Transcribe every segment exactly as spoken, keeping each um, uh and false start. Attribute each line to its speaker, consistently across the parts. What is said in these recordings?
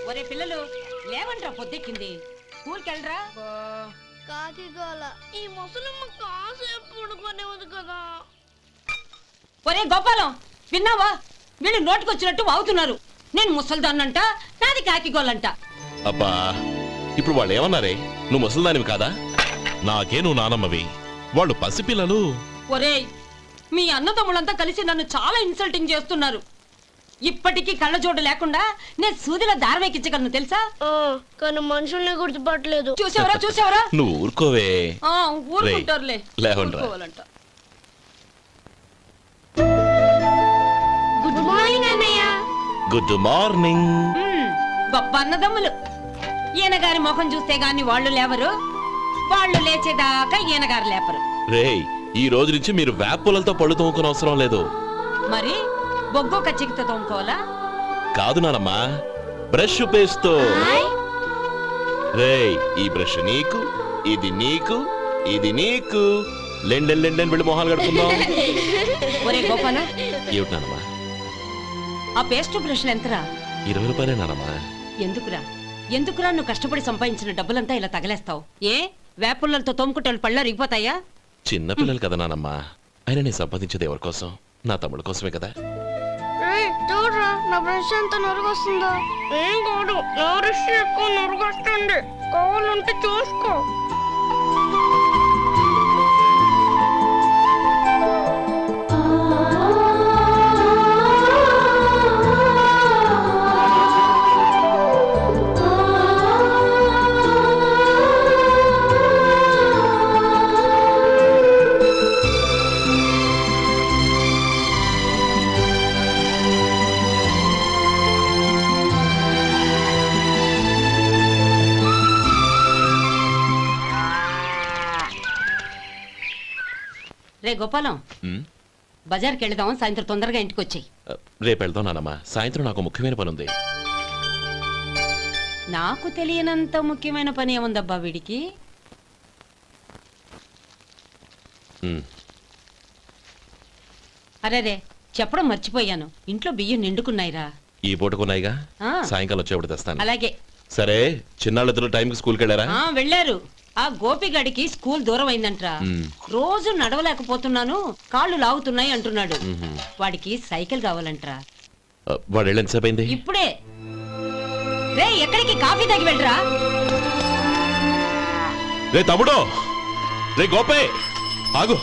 Speaker 1: ఒరే పిల్లలు లేవంట్రా, పొద్దెక్కింది. స్కూల్కి వెళ్ళరా.
Speaker 2: కాకిగోల ఈ ముసలమ్మ కాసేపు పడుకునేది కదా.
Speaker 1: ఒరే గోపాలం, విన్నావా? వీళ్ళు నోటికొచ్చినట్టు వాగుతున్నారు. నేను ముసల్దాన్నంట, నాది కాకిగోలంట.
Speaker 3: అబ్బా, ఇప్పుడు వాళ్ళు ఏమన్నారే? నువ్వు ముసల్దానివి కాదా? నాకే నువ్వు నానమ్మవి, వాళ్ళు పసిపిల్లలు.
Speaker 1: ఒరే, మీ అన్నదమ్ములంతా కలిసి నన్ను చాలా ఇన్సల్టింగ్ చేస్తున్నారు. ఇప్పటికీ కళ్ళజోడు లేకుండా నేను సూదిలో దారవేకించగలను తెలుసా?
Speaker 2: కానీ మనుషుల్ని గుర్తుపట్టలేదు.
Speaker 1: చూసావరా చూసావరా
Speaker 3: నువ్వు ఊరుకోవే.
Speaker 1: ఊరుకుంటారులే.
Speaker 3: లేవండ్రా.
Speaker 2: గుడ్ మార్నింగ్ అన్నయ్య.
Speaker 3: Good morning.
Speaker 1: గొప్ప అన్నదమ్ములు. ఈయన గారి ముఖం చూస్తే గాని వాళ్ళు లేవరు, వాళ్ళు లేచేదాకా ఈయన గారు లేపరు.
Speaker 3: రేయ్, ఈ రోజు నుంచి మీరు వేపులతో పళ్ళు తోముకునే అవసరం లేదు.
Speaker 1: మరి బొగ్గు కచ్చికితో తోముకోవాలా?
Speaker 3: కాదు నానమ్మా, బ్రష్ పేస్తో. రేయ్, ఈ బ్రష్ నీకు, ఇది నీకు, ఇది నీకు. లెండెన్ లెండెన్ వెళ్ళి మొహాలు కడుకుందాం.
Speaker 1: ఒరే గోపాల,
Speaker 3: ఏమిటి నానమ్మా?
Speaker 1: ఆ పేస్ట్ బ్రష్లు ఎంతరా?
Speaker 3: ఇరవై రూపాయలే నానమ్మా.
Speaker 1: ఎందుకురా ఎందుకురా నువ్వు కష్టపడి సంపాదించిన డబ్బులంతా ఇలా తగలేస్తావు? ఏ వేపుల్లలతో తోముకుంటే వాళ్ళు పళ్ళు అరిగిపోతాయా?
Speaker 3: చిన్న పిల్లలు కదా నానమ్మా. అయినా నేను సంపాదించేది ఎవరి కోసం? నా తమ్ముడు కోసమే కదా.
Speaker 2: చూడరా, నా బ్రష్ ఎంత నొరుగొస్తుందో. ఏం కాదు, నా బ్రష్ ఎక్కువ నొరుగొస్తుంది. కావాలంటే చూసుకో.
Speaker 1: రే గోపాలం, బజార్కి వెళదాం. సాయంత్రం తొందరగా ఇంటికి వచ్చాయి.
Speaker 3: రేపు వెళ్దాం నానమ్మా. సాయంత్రం నాకు ముఖ్యమైన పని ఉంది.
Speaker 1: నాకు తెలియనంత ముఖ్యమైన పని ఏముందబ్బా వీడికి? అరే రే, చెప్పడం మర్చిపోయాను. ఇంట్లో బియ్యం నిండుకున్నాయిరా.
Speaker 3: ఈ పూటకున్నాయిగా, సాయంకాలం వచ్చేప్పుడు తెస్తాను.
Speaker 1: అలాగే.
Speaker 3: సరే, చిన్నాళ్ళిద్దరు టైంకి స్కూల్కి వెళ్ళారా?
Speaker 1: వెళ్ళారు. ఆ గోపిగడికి స్కూల్ దూరం అయిందంట్రా. రోజు నడవలేకపోతున్నాను, కాళ్ళు లాగుతున్నాయి అంటున్నాడు. వాడికి సైకిల్ కావాలంట్రా.
Speaker 3: వాడు వెళ్ళి ఎంతసేపు అయింది?
Speaker 1: ఇప్పుడే. రే, ఎక్కడికి? కాఫీ తాగి వెళ్ళరా.
Speaker 3: రే తమ్ముడు, రే గోపే, ఆగు.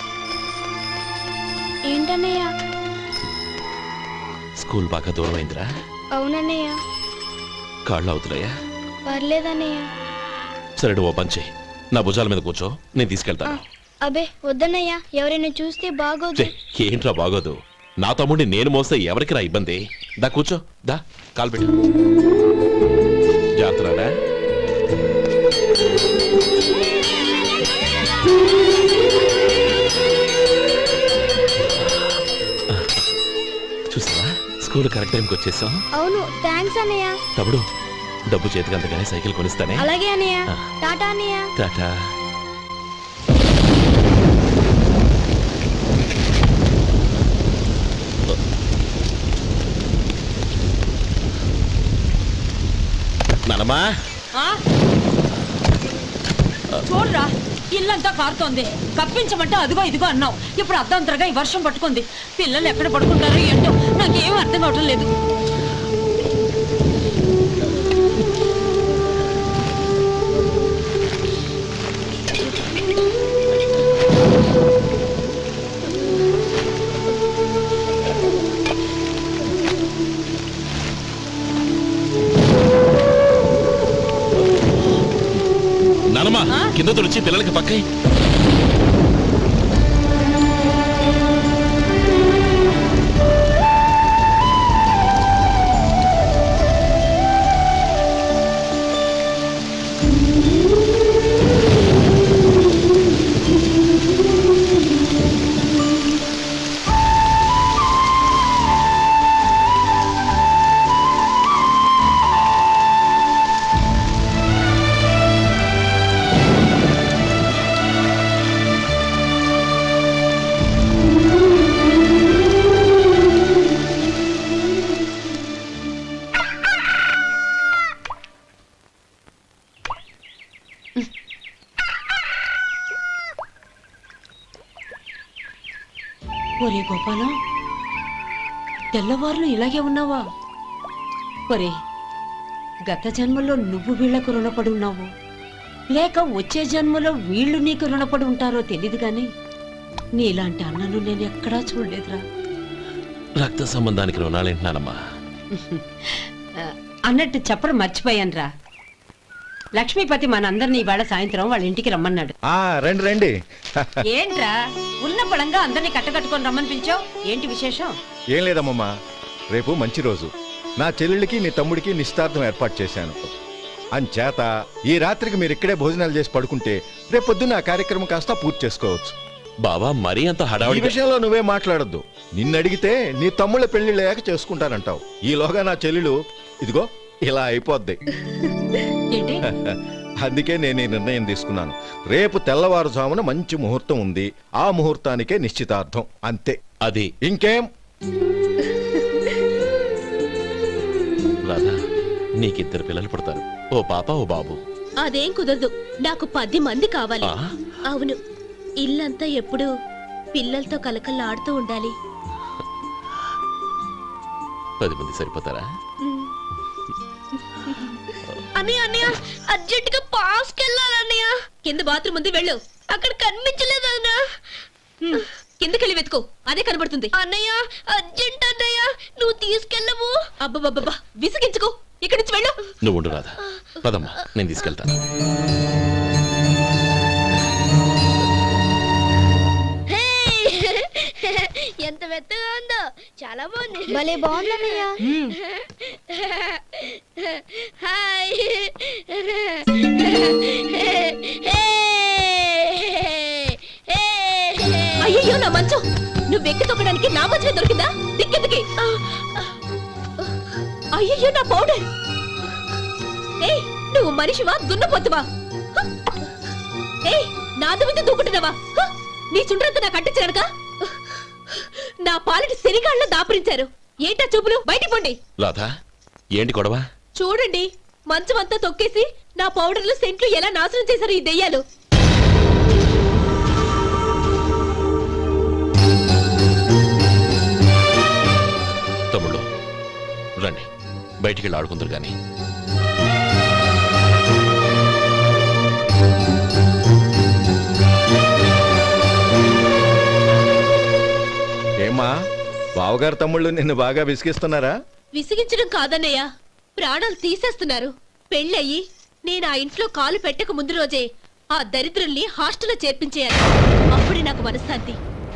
Speaker 2: ఏంటన్నయ్య?
Speaker 3: స్కూల్ బాగా దూరం అయిందిరా.
Speaker 2: అవునన్నయ్య.
Speaker 3: కాళ్ళు అవుతున్నాయా?
Speaker 2: పర్లేదన్నయ్య.
Speaker 3: సరే, ఓ పని చెయ్యి, నా భుజాల మీద కూర్చో, నేను తీసుకెళ్తాను.
Speaker 2: అబే వద్దన్నయ్య, ఎవరైనా చూస్తే బాగోదు.
Speaker 3: ఏంట్రా బాగోదు? నా తమ్ముడిని నేను మోస్తే ఎవరికి రా ఇబ్బంది? దా కూర్చో, దా కాలు పెట్టు. జాగ్రత్తరా. చూసావా, స్కూల్ కరెక్ట్ టైంకి వచ్చేసాం.
Speaker 2: అవును, థ్యాంక్స్ అన్నయ్య.
Speaker 3: తమ్ముడు, డబ్బు చేతికి అంతగానే సైకిల్ కొనిస్తానే.
Speaker 2: అలాగే అన్నయ్య. టాటా అన్నయ్య.
Speaker 3: టాటా. నానమ్మా,
Speaker 1: చూడరా, ఇల్లంతా కారుతోంది. కప్పించమంటే అదిగో ఇదిగో అన్నావు. ఇప్పుడు అర్ధంతరగా ఈ వర్షం పట్టుకుంది. పిల్లలు ఎక్కడ పడుకుంటారో ఏంటో నాకేం అర్థం కావటం లేదు.
Speaker 3: నానమ్మా, కింద తుడిచి పిల్లలకి పక్కై.
Speaker 1: ఒరే గోపాలం, తెల్లవారులు ఇలాగే ఉన్నావా? ఒరే, గత జన్మలో నువ్వు వీళ్లకు రుణపడి ఉన్నావు, లేక వచ్చే జన్మలో వీళ్ళు నీకు రుణపడి ఉంటారో తెలీదు గాని నీలాంటి అన్నను నేను ఎక్కడా చూడలేదురా.
Speaker 3: రక్త సంబంధానికి రుణాలేంటున్నానమ్మా.
Speaker 1: అన్నట్టు చెప్పడం మర్చిపోయానురా. లక్ష్మీపతి మనందరినీ ఇవాళ సాయంత్రం వాళ్ళ ఇంటికి రమ్మన్నాడు.
Speaker 4: ఆ రండి రండి.
Speaker 1: ఏంట్రా ఉన్న పడంగా అందరినీ కట్టకట్టుకొని రమ్మని పిలిచావు? ఏంటి విశేషం?
Speaker 4: ఏం లేదమ్మమ్మా, రేపు మంచి రోజు. నా చెల్లెళ్ళకి నీ తమ్ముడికి నిశ్చితార్థం ఏర్పాటు చేశాను. అంచేత ఈ రాత్రికి మీరు ఇక్కడే భోజనాలు చేసి పడుకుంటే రేపు పొద్దున్న ఆ కార్యక్రమం కాస్త పూర్తి చేసుకోవచ్చు.
Speaker 3: బావా మరీ అంత
Speaker 4: ఈ
Speaker 3: హడావుడి
Speaker 4: విషయంలో నువ్వే మాట్లాడొద్దు. నిన్ను అడిగితే నీ తమ్ముళ్ళ పెళ్లిళ్ళయ్యాక చేసుకుంటానంటావు. ఈలోగా నా చెల్లెలు ఇదిగో ఇలా అయిపోద్ది.
Speaker 1: ఏంటి?
Speaker 4: అందుకే నేను ఈ నిర్ణయం తీసుకున్నాను. రేపు తెల్లవారుజామున మంచి ముహూర్తం ఉంది. ఆ ముహూర్తానికే నిశ్చితార్థం, అంతే.
Speaker 3: అది
Speaker 4: ఇంకేం?
Speaker 3: రాధా, నీకిద్దరు పిల్లలు పుడతారు, ఓ పాప ఓ బాబు.
Speaker 2: అదేం కుదరదు, నాకు పది మంది కావాలి.
Speaker 3: ఆ?
Speaker 2: అవును, ఇల్లంతా ఎప్పుడు పిల్లలతో కలకల్లాడుతూ ఉండాలి.
Speaker 3: పది మంది సరిపోతారా?
Speaker 2: అన్నయ్య అన్నయ్య అర్జెంట్ గా పాస్కి వెళ్ళాలి అన్నయ్య. కింద బాత్రూమ్ ఉంది, వెళ్ళు. అక్కడ కనిపించలేదు అన్న. కిందకెళ్ళి వెతుకో, అదే కనబడుతుంది. అన్నయ్య అర్జెంట్ అన్నయ్య, నువ్వు తీసుకెళ్ళవు. అబ్బబ్బబ్బా, విసిగించుకో, ఇక్కడి నుంచి వెళ్ళు.
Speaker 3: నువ్వు ఉండు రాధా, పదమ్మా నేను తీసుకెళ్తాను.
Speaker 2: ఎంత మెత్తగా ఉందో, చాలా బాగుంది. భలే బాగుంది అన్నయ్య. హాయ్. అయ్యో నా మంచం, నువ్వు ఎక్కి తొక్కడానికి నా మంచమే దొరికిందా? దిక్కెందుకి? అయ్యో నా పౌడర్. ఏ నువ్వు మనిషివా దున్నపోతువా? ఏ నాదు మీద దూకుంటున్నావా? నీ చుండ్రంతా నాకు అంటించగలక నా పాలిటి శనిగాళ్ళ దాపురించారు. ఏంటా చూపులు? బయటికి పోండి.
Speaker 3: రాధా, ఏంటి గొడవ?
Speaker 2: చూడండి, మంచం అంతా తొక్కేసి నా పౌడర్లు సెంట్లు ఎలా నాశనం చేశారు ఈ దెయ్యాలు.
Speaker 3: తమ్ముళ్ళు రండి, బయటికి వెళ్ళి ఆడుకుందరు గాని.
Speaker 4: ఏమ్మా, బావగారు తమ్ముళ్ళు నిన్ను బాగా విసిగిస్తున్నారా?
Speaker 2: విసిగించడం కాదన్నయ్య, ప్రాణాలు తీసేస్తున్నారు. పెళ్ళయి నేను ఆ ఇంట్లో కాలు పెట్టక ముందు రోజే ఆ దరిద్రుల్ని హాస్టల్లో చేర్పించేయాలి. అప్పుడే నాకు మనశ్శాంతి.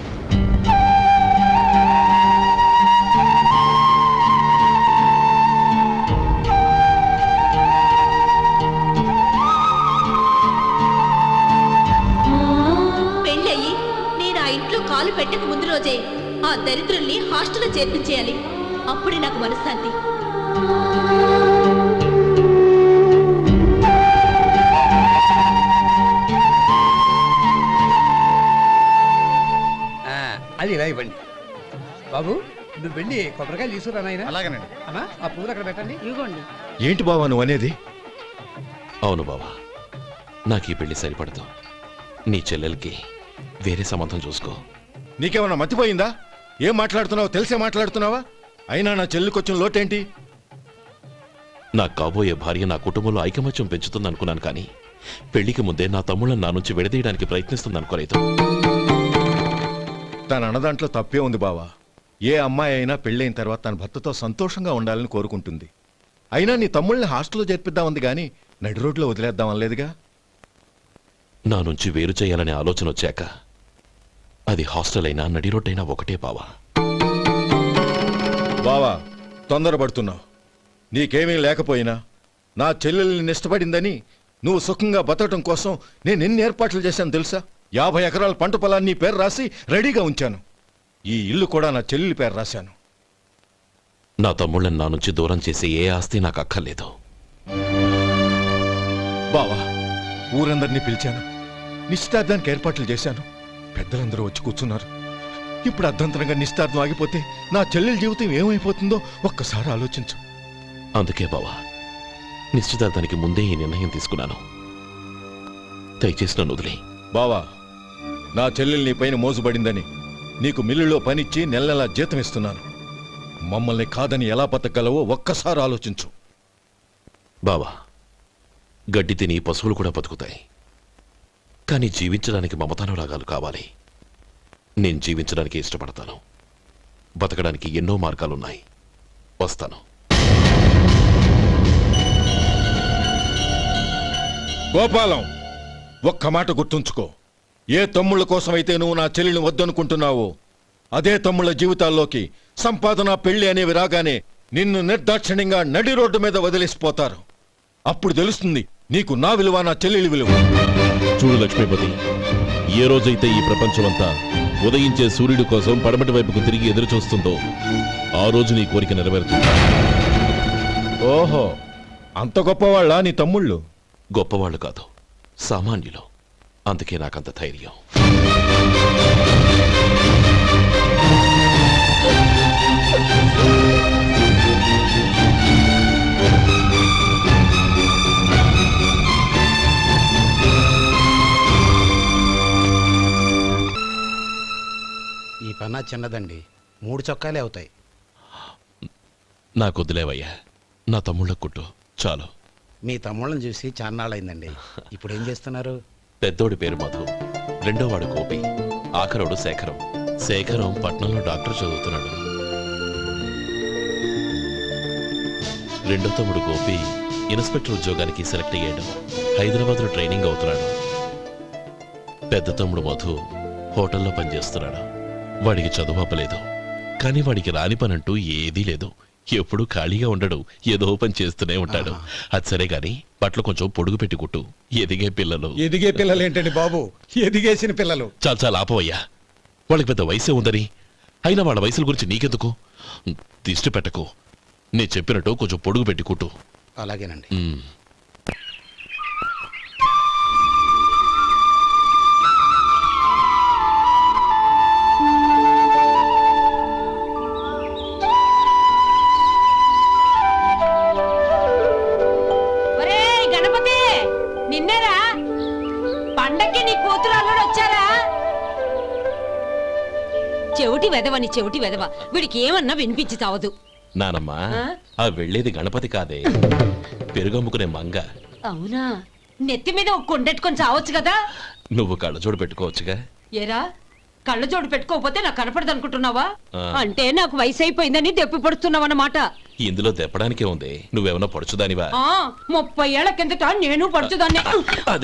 Speaker 2: పెళ్ళయి నేను ఆ ఇంట్లో కాలు పెట్టక ముందు రోజే ఆ దరిద్రుల్ని హాస్టల్లో చేర్పించేయాలి. అప్పుడే నాకు మనశ్శాంతి.
Speaker 5: అది ఇలా ఇవ్వండి బాబు. నువ్వు వెళ్ళి కొబ్బరికాయలు తీసుకురా నాయనా.
Speaker 4: అలాగేనండి.
Speaker 5: అమ్మా, ఆ పూలు అక్కడ పెట్టండి. ఇవ్వండి.
Speaker 4: ఏంటి బావా నువ్వు అనేది?
Speaker 3: అవును బావా, నాకు ఈ పెళ్లి సరిపడదు. నీ చెల్లెలకి వేరే సంబంధం చూసుకో.
Speaker 4: నీకేమన్నా మతిపోయిందా? ఏం మాట్లాడుతున్నావు తెలిసే మాట్లాడుతున్నావా? అయినా నా చెల్లికొచ్చిన లోటేంటి?
Speaker 3: నా కాబోయే భార్య నా కుటుంబంలో ఐకమత్యం పెంచుతుంది అనుకున్నాను, కానీ పెళ్లికి ముందే నా తమ్ముళ్ళని నా నుంచి విడదీయడానికి ప్రయత్నిస్తుంది అనుకోలేదు.
Speaker 4: తన అన్నదాంట్లో తప్పే ఉంది బావా. ఏ అమ్మాయి అయినా పెళ్ళైన తర్వాత తన భర్తతో సంతోషంగా ఉండాలని కోరుకుంటుంది. అయినా నీ తమ్ముళ్ళని హాస్టల్లో చేర్పిద్దామంది గాని నడి రోడ్లో వదిలేద్దాం అనలేదుగా.
Speaker 3: నా నుంచి వేరు చేయాలనే ఆలోచన వచ్చాక అది హాస్టల్ అయినా నడి రోడ్డైనా ఒకటే బావా.
Speaker 4: బావా, తొందరపడుతున్నావు. నీకేమీ లేకపోయినా నా చెల్లెల్ని ఇష్టపడిందని నువ్వు సుఖంగా బతకటం కోసం నేను ఎన్ని ఏర్పాట్లు చేశాను తెలుసా? యాభై ఎకరాల పంట పొలాన్ని నీ పేరు రాసి రెడీగా ఉంచాను. ఈ ఇల్లు కూడా నా చెల్లెలి పేరు రాశాను.
Speaker 3: నా తమ్ముళ్ళని నా నుంచి దూరం చేసే ఏ ఆస్తి నాకు అక్కర్లేదు.
Speaker 4: బావా, ఊరందరినీ పిలిచాను, నిశ్చితార్థానికి ఏర్పాట్లు చేశాను. పెద్దలందరూ వచ్చి కూర్చున్నారు. ఇప్పుడు అర్ధంతరంగా నిశ్చితార్థం ఆగిపోతే నా చెల్లెలి జీవితం ఏమైపోతుందో ఒక్కసారి ఆలోచించు.
Speaker 3: అందుకే బావా, నిశ్చితార్థానికి ముందే ఈ నిర్ణయం తీసుకున్నాను. దయచేసి నన్ను వదిలే.
Speaker 4: బావా, నా చెల్లెలు నీ పైన మోసుబడిందని నీకు మిల్లులో పనిచ్చి నెల నెలా జీతం ఇస్తున్నాను. మమ్మల్ని కాదని ఎలా బతకగలవో ఒక్కసారి ఆలోచించు.
Speaker 3: బావా, గడ్డి తిని పశువులు కూడా బతుకుతాయి, కానీ జీవించడానికి మమతానురాగాలు కావాలి. నేను జీవించడానికి ఇష్టపడతాను. బతకడానికి ఎన్నో మార్గాలున్నాయి. వస్తాను.
Speaker 4: గోపాలం, ఒక్క మాట గుర్తుంచుకో. ఏ తమ్ముళ్ళ కోసమైతే నువ్వు నా చెల్లిని వద్దనుకుంటున్నావో అదే తమ్ముళ్ళ జీవితాల్లోకి సంపాదన, పెళ్లి అనేవి రాగానే నిన్ను నిర్దాక్షిణ్యంగా నడి రోడ్డు మీద వదిలేసిపోతారు. అప్పుడు తెలుస్తుంది నీకు నా విలువ, నా చెల్లెలి విలువ.
Speaker 6: చూడు లక్ష్మీపతి, ఏ రోజైతే ఈ ప్రపంచమంతా ఉదయించే సూర్యుడి కోసం పడమటి వైపుకు తిరిగి ఎదురు చూస్తుందో ఆ రోజు నీ కోరిక నెరవేరుతుంది.
Speaker 4: ఓహో, అంత గొప్పవాళ్ళ నీ తమ్ముళ్ళు?
Speaker 3: గొప్పవాళ్ళు కాదు, సామాన్యులు. అందుకే నాకంత ధైర్యం.
Speaker 7: ఈ పన్నా చిన్నదండి, మూడు చొక్కాలే అవుతాయి.
Speaker 3: నాకు వదిలేవయ్యా, నా తమ్ముళ్ళ కుట్టు చాలు.
Speaker 7: మీ తమ్ముళ్ళని చూసి చాన్నాళ్ళైందండి. ఇప్పుడు ఏం చేస్తున్నారు?
Speaker 3: పెద్దోడి పేరు మధు, రెండోవాడు గోపి, ఆఖరోడు శేఖరం. శేఖరం పట్నంలో డాక్టర్ చదువుతున్నాడు. రెండో తమ్ముడు గోపి ఇన్స్పెక్టర్ ఉద్యోగానికి సెలెక్ట్ అయ్యాడు. హైదరాబాద్లో ట్రైనింగ్ అవుతున్నాడు. పెద్ద తమ్ముడు మధు హోటల్లో పనిచేస్తున్నాడు. వాడికి చదువు అప్పలేదు, కానీ వాడికి రాని పనంటూ ఏదీ లేదు. ఎప్పుడూ ఖాళీగా ఉండడు, ఏదో పని చేస్తూనే ఉంటాడు. అది సరే గాని బట్టలు కొంచెం పొడుగు పెట్టి కుట్టు. ఎదిగే పిల్లలు.
Speaker 5: ఎదిగే పిల్లలు ఏంటండి బాబు, ఎదిగేసిన పిల్లలు.
Speaker 3: చాలా చాలా ఆపవయ్యా, వాళ్ళకి పెద్ద వయసే ఉందని. అయినా వాళ్ళ వయసుల గురించి నీకెందుకు? దిష్టి పెట్టకు. నేను చెప్పినట్టు కొంచెం పొడుగు పెట్టి కుట్టు.
Speaker 7: అలాగేనండి.
Speaker 3: ఉమ్.
Speaker 1: ఒరేయ్ గణపతి, నిన్నేరా? పండక్కి నీ కూతురు అల్లుడు వచ్చారా? చెవిటి వెదవని చెవిటి వెదవ, వీడికి ఏమన్నా వినిపించి చావదు.
Speaker 3: నానమ్మా,
Speaker 1: ఆ?
Speaker 3: ఆ వెళ్ళేది గణపతి కాదే, పెరుగమ్ముకునే మంగ.
Speaker 1: అవునా? నెత్తి మీద ఒక కొండెట్టుకొని చావచ్చు కదా.
Speaker 3: నువ్వు కళ్ళజోడు పెట్టుకోవచ్చుగా.
Speaker 1: ఏరా, కళ్ళజోడు పెట్టుకోకపోతే నాకు కనపడదు అనుకుంటున్నావా?
Speaker 3: ఆ.
Speaker 1: అంటే నాకు వయసు అయిపోయిందని దెప్పి పడుతున్నావన్నమాట.
Speaker 3: ఇందులో దెప్పడానికే ఉంది. నువ్వేమన్నా పడుచుదానివా?
Speaker 1: ముప్పై ఏళ్ల కిందట నేను పడుచుదాన్ని.